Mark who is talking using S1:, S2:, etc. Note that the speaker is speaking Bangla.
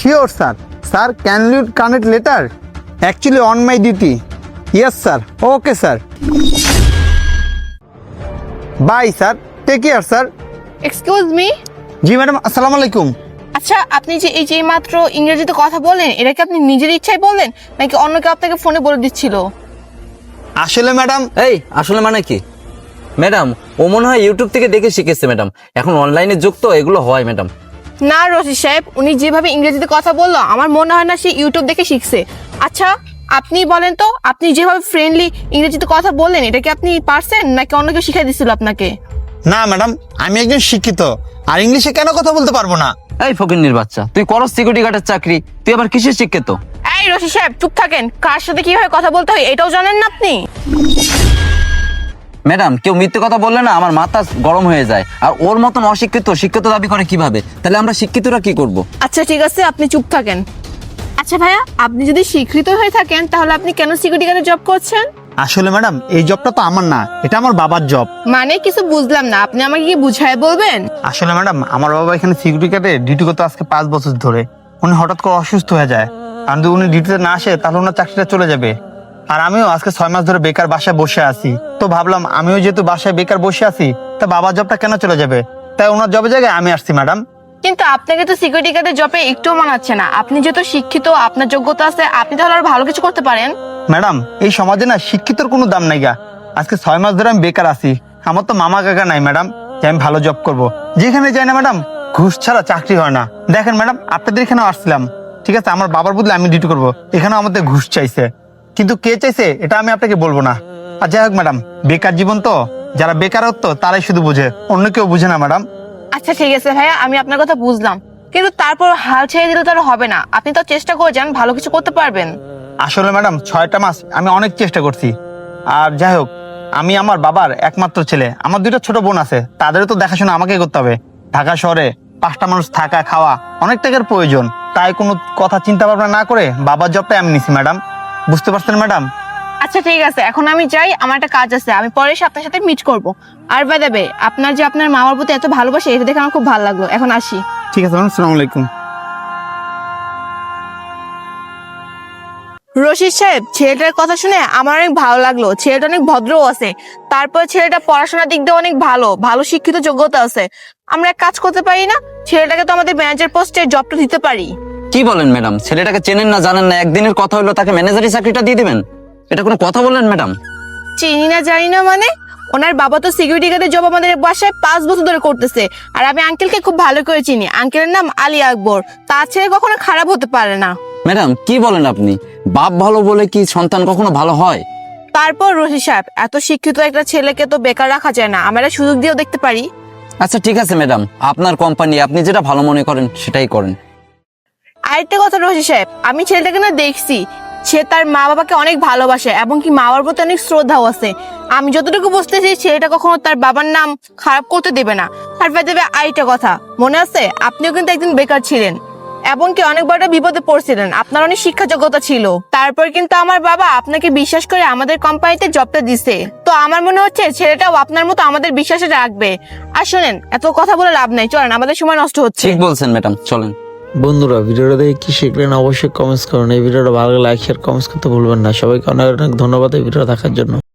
S1: Sure, sir. Sir, can you connect later? Actually, on my duty. Yes, sir. Okay, sir. Bye, sir. Take care, sir.
S2: Excuse me.
S1: জি ম্যাডাম, আসসালামু আলাইকুম।
S2: আচ্ছা, আপনি যে এই যে মাত্র ইংরেজিতে কথা বলেন, এটা কি আপনি নিজের ইচ্ছায় বললেন নাকি অন্য কেউ আপনাকে ফোনে বলে দিচ্ছিল?
S1: আসলে ম্যাডাম,
S3: এই আসলে মানে কি ম্যাডাম? ও মনে হয় ইউটিউব থেকে দেখে শিখেছে ম্যাডাম। এখন অনলাইনে যুগ তো, এগুলো হয় ম্যাডাম।
S2: না রশিদ সাহেব, উনি যেভাবে ইংরেজিতে কথা বললো আমার মনে হয় না সে ইউটিউব দেখে শিখছে। আচ্ছা আপনি বলেন তো, আপনি যেভাবে ফ্রেন্ডলি ইংরেজিতে কথা বললেন এটা কি আপনি পারছেন নাকি অন্য কেউ শিখাই দিছিল আপনাকে?
S1: না ম্যাডাম, আমি একজন শিক্ষিত, আর ইংলিশে কেন কথা বলতে পারবো না?
S3: এই ফকিন্নির বাচ্চা, তুই করো সিকিউরিটি গার্ডের চাকরি, তুই আবার কিসের শিক্ষিত?
S2: এই রশিদ সাহেব চুপ থাকেন, কার সাথে কিভাবে কথা বলতে হয় এটাও জানেন না আপনি?
S3: ম্যাডাম, কেউ মিথ্যে কথা বললে না আমার মাথা গরম হয়ে যায়। আর ওর মতন অশিক্ষিত শিক্ষিত দাবি করে কিভাবে? তাহলে আমরা শিক্ষিতরা কি করব?
S2: আচ্ছা ঠিক আছে, আপনি চুপ থাকেন। আচ্ছা ভাইয়া, আপনি যদি স্বীকৃত হয়ে থাকেন তাহলে আপনি কেন সিকিউরিটি গার্ডে জব করছেন?
S1: আসলে ম্যাডাম, এই জবটা তো আমার না, এটা আমার বাবার জব।
S2: মানে কিছু বুঝলাম না, আপনি আমাকে কি বুঝায় বলবেন?
S1: আসলে ম্যাডাম, আমার বাবা এখানে সিকিউরিটি গার্ডে ডিউটি করতে আজকে 5 বছর ধরে। উনি হঠাৎ করে অসুস্থ হয়ে যায়, আর যদি উনি ডিউটিতে না আসে তাহলে ওনার চাকরিটা চলে যাবে। আর আমিও আজকে 6 মাস ধরে বেকার বাসায় বসে আছি, তো ভাবলাম আমিও যেহেতু বাসায় বেকার বসে আছি, তা বাবার জবটা কেন চলে যাবে, তাই ওনার জবের জায়গায় আমি আসছি ম্যাডাম।
S2: কিন্তু আপনাকে তো সিকিউরিটি গার্ডের জবে একটুও মানাচ্ছে না। আপনি যেহেতু শিক্ষিত, আপনার যোগ্যতা আছে, আপনি তাহলে আরো ভালো কিছু করতে পারেন।
S1: ম্যাডাম, এই সমাজে না শিক্ষিতর কোনো দাম নাই গা। আজকে 6 মাস ধরে আমি বেকার আছি, আমার তো মামা কাকা নাই ম্যাডাম যে আমি ভালো জব করব। যেখানে যাই না ম্যাডাম, ঘুষ ছাড়া চাকরি হয় না। দেখেন ম্যাডাম, আপনাদের এখানেও আসছিলাম, ঠিক আছে, আমার বাবার বদলে আমি ডিউটি করব, এখানেও আমাদের ঘুষ চাইছে, কিন্তু কে চাইছে এটা আমি আপনাকে বলবো না। আর যাই হোক ম্যাডাম, বেকার জীবন তো, যারা বেকারত্ব তারাই শুধু বুঝে, অন্য কেউ বুঝে না ম্যাডাম।
S2: আচ্ছা ঠিক আছে ভাইয়া, আমি আপনার কথা বুঝলাম, কিন্তু তারপর হাল ছেড়ে দিলে তো আর হবে না। আপনি তো চেষ্টা করে যান, ভালো কিছু করতে পারবেন।
S1: আসলে ম্যাডাম, 6টা মাস আমি অনেক চেষ্টা করছি। আর যাই হোক, আমি আমার বাবার একমাত্র ছেলে, আমার 2টা ছোট বোন আছে, তাদেরও তো দেখাশোনা আমাকেই করতে হবে। ঢাকা শহরে 5টা মানুষ থাকা খাওয়া অনেক টাকার প্রয়োজন, তাই কোনো কথা চিন্তা ভাবনা না করে বাবার জবটাই আমি নিছি ম্যাডাম। বুঝতে পারছেন ম্যাডাম?
S2: আচ্ছা ঠিক আছে, এখন আমি যাই, আমার একটা কাজ আছে, আমি পরে এসে আপনার সাথে মিট করব। আর বাই দ্য ওয়ে, আপনার যে আপনার মামার প্রতি এত ভালোবাসে এটা দেখে আমার খুব ভালো লাগলো। এখন আসি।
S1: ঠিক আছে ম্যাডাম, আসসালামু আলাইকুম।
S2: রশিদ সাহেব, ছেলেটার কথা শুনে আমার অনেক ভালো লাগলো। ছেলেটা অনেক ভদ্রও আছে, তারপর ছেলেটা পড়াশোনার দিক দিয়ে অনেক ভালো, ভালো শিক্ষিত যোগ্যতা আছে। আমরা এক কাজ করতে পারি না, ছেলেটাকে তো আমাদের ম্যানেজার পোস্টে জবটা দিতে পারি।
S3: কি বলেন ম্যাডাম? ছেলেটাকে চেনেন না জানেন না, একদিনের কথা হলো তাকে ম্যানেজারি চাকরিটা দিয়ে দিবেন? এটা কোনো কথা বললেন ম্যাডাম?
S2: চিনি না জানি না মানে, ওনার বাবা তো সিকিউরিটি গার্ডের জব আমাদের বাসায় 5 বছর ধরে করতেছে। আর আমি আঙ্কেলকে খুব ভালো করে চিনি, আঙ্কেলের নাম আলী আকবর, তার ছেলে কখনো খারাপ হতে পারে না।
S3: ম্যাডাম কি বলেন আপনি? বাপ ভালো বলে কি সন্তান কখনো ভালো হয়?
S2: তারপর রশিদ সাহেব, এত শিক্ষিত একটা ছেলেকে তো বেকার রাখা যায় না, আমরা সুযোগ দিয়েও দেখতে পারি।
S3: আচ্ছা ঠিক আছে ম্যাডাম, আপনার কোম্পানি, আপনি যেটা ভালো মনে করেন সেটাই করেন।
S2: আরেকটা কথা রশিদ সাহেব, আমি ছেলেটাকে না দেখছি, সে তার মা বাবাকে অনেক ভালোবাসে এবং কি মা বাবার প্রতি অনেক শ্রদ্ধাও আছে। আমি যতটুকু বুঝতেছি ছেলেটা কখনো তার বাবার নাম খারাপ করতে দেবে না। আর দেবে আরেকটা কথা, মনে আছে আপনিও কিন্তু একদিন বেকার ছিলেন এবং কি অনেক বড় বিপদে পড়ছিলেন, আপনার অনেক শিক্ষা যোগ্যতা ছিল, তারপর কিন্তু আমার বাবা আপনাকে বিশ্বাস করে আমাদের কোম্পানিতে জবটা দিছে। তো আমার মনে হচ্ছে ছেলেটাও আপনার মতো আমাদের বিশ্বাসে রাখবে। আর শোনেন, এত কথা বলে লাভ নাই, চলেন, আমাদের সময় নষ্ট হচ্ছে।
S3: ঠিক বলছেন ম্যাডাম, চলেন।
S4: বন্ধুরা, ভিডিওটা দেখে কি শিখলেন অবশ্যই কমেন্টস করুন। এই ভিডিওটা ভালো লাগলে লাইক শেয়ার কমেন্টস করতে ভুলবেন না। সবাইকে অনেক অনেক ধন্যবাদ এই ভিডিওটা দেখার জন্য।